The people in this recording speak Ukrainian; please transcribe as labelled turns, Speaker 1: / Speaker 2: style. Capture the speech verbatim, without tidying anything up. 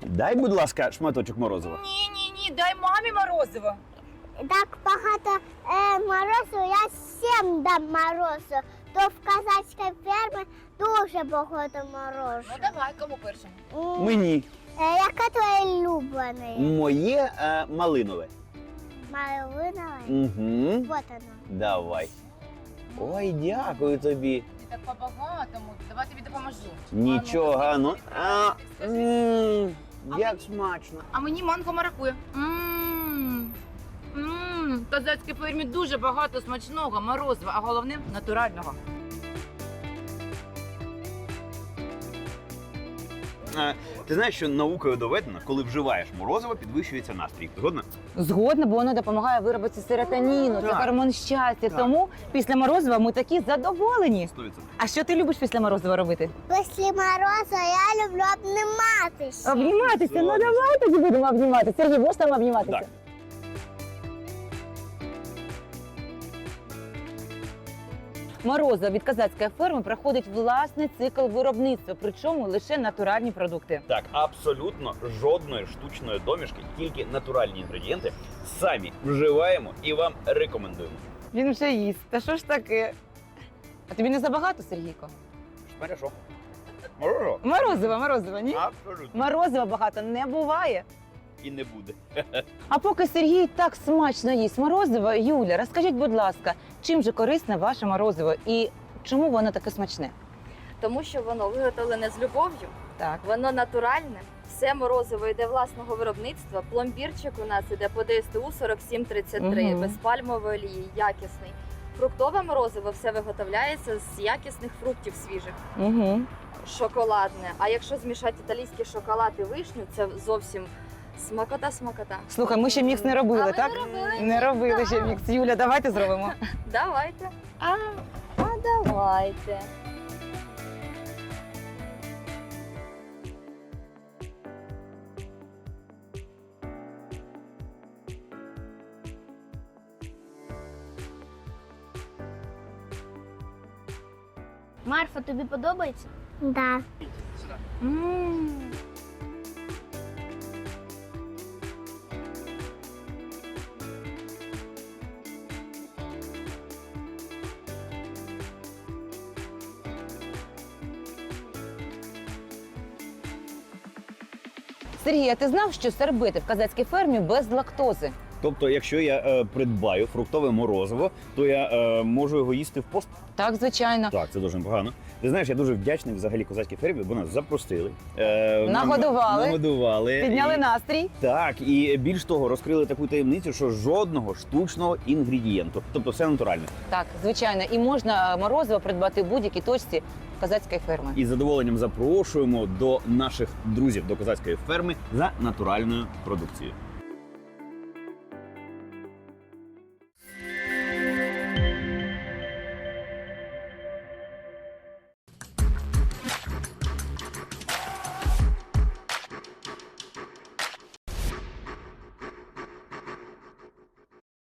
Speaker 1: Дай, будь ласка, шматочок морозива.
Speaker 2: Ні, ні, ні, дай мамі морозиво.
Speaker 3: Так багато е, морозу, я всім дам морозу. То в казацькій фермі дуже багато морозу.
Speaker 2: Ну давай, кому першому?
Speaker 3: М,
Speaker 1: Мені.
Speaker 3: е, Яке твоє улюблене?
Speaker 1: Моє е, малинове.
Speaker 3: Малинове?
Speaker 1: Угу.
Speaker 3: Вот оно.
Speaker 1: Давай. Ой, дякую тобі.
Speaker 2: Ти так по-багатому. Давай тобі допоможу.
Speaker 1: Нічого, ну. А,
Speaker 2: Скажи.
Speaker 1: м,
Speaker 2: А
Speaker 1: як
Speaker 2: мені?
Speaker 1: смачно.
Speaker 2: А мені манго маракуя. Ммм. Ммм. В казацькій фермі дуже багато смачного морозива, а головне натурального.
Speaker 1: Е, Ти знаєш, що наукою доведено, коли вживаєш морозиво, підвищується настрій. Згодна?
Speaker 4: Згодна, бо воно допомагає виробити серотоніну, це
Speaker 1: Так.
Speaker 4: гормон щастя.
Speaker 1: Так.
Speaker 4: Тому після морозива ми такі задоволені.
Speaker 1: сто відсотків.
Speaker 4: А що ти любиш після морозива робити?
Speaker 3: Після морозу я люблю обніматися.
Speaker 4: Обніматися. Ну
Speaker 1: Славіся.
Speaker 4: давай тоді будемо обніматися. Сергій, можеш там обніматися?
Speaker 1: Так.
Speaker 4: Морозиво від казацької ферми проходить власний цикл виробництва, причому лише натуральні продукти.
Speaker 1: Так, абсолютно жодної штучної домішки, тільки натуральні інгредієнти самі вживаємо і вам рекомендуємо.
Speaker 4: Він вже їсть. Та що ж таке? А тобі не забагато, Сергійко?
Speaker 1: Хорошо. Морозиво?
Speaker 4: Морозиво, морозиво, ні?
Speaker 1: Абсолютно.
Speaker 4: Морозива багато не буває.
Speaker 1: І не буде.
Speaker 4: А поки Сергій так смачно їсть морозиво, Юля, розкажіть, будь ласка, чим же корисне ваше морозиво і чому воно таке смачне?
Speaker 5: Тому що воно виготовлене з любов'ю,
Speaker 4: Так.
Speaker 5: воно натуральне, все морозиво йде власного виробництва. Пломбірчик у нас іде по ДСТУ сорок сім тридцять три,
Speaker 4: Мгм.
Speaker 5: без пальмової олії, якісний. Фруктове морозиво все виготовляється з якісних фруктів свіжих,
Speaker 4: Угу.
Speaker 5: шоколадне. А якщо змішати італійський шоколад і вишню, це зовсім смакота-смакота.
Speaker 4: Слухай, ми ще мікс не робили,
Speaker 5: А ви
Speaker 4: так?
Speaker 5: не робили?
Speaker 4: Не робили ще мікс. Юля, давайте зробимо.
Speaker 5: Давайте. А, а давайте.
Speaker 3: Марфа, тобі подобається? Да.
Speaker 4: Сергій, а ти знав, що сербити в казацькій фермі без лактози?
Speaker 1: Тобто, якщо я е, придбаю фруктове морозиво, то я е, можу його їсти в пост?
Speaker 4: Так, звичайно.
Speaker 1: Так, це дуже непогано. Ти знаєш, я дуже вдячний взагалі козацькій фермі, бо нас запросили. Е, нам-
Speaker 4: Нагодували.
Speaker 1: Нагодували.
Speaker 4: Підняли
Speaker 1: І-
Speaker 4: настрій.
Speaker 1: Так, і більш того, розкрили таку таємницю, що жодного штучного інгредієнту. Тобто все натуральне.
Speaker 4: Так, звичайно. І можна морозиво придбати в будь-якій точці казацької ферми.
Speaker 1: І з задоволенням запрошуємо до наших друзів до козацької ферми за натуральною продукцією.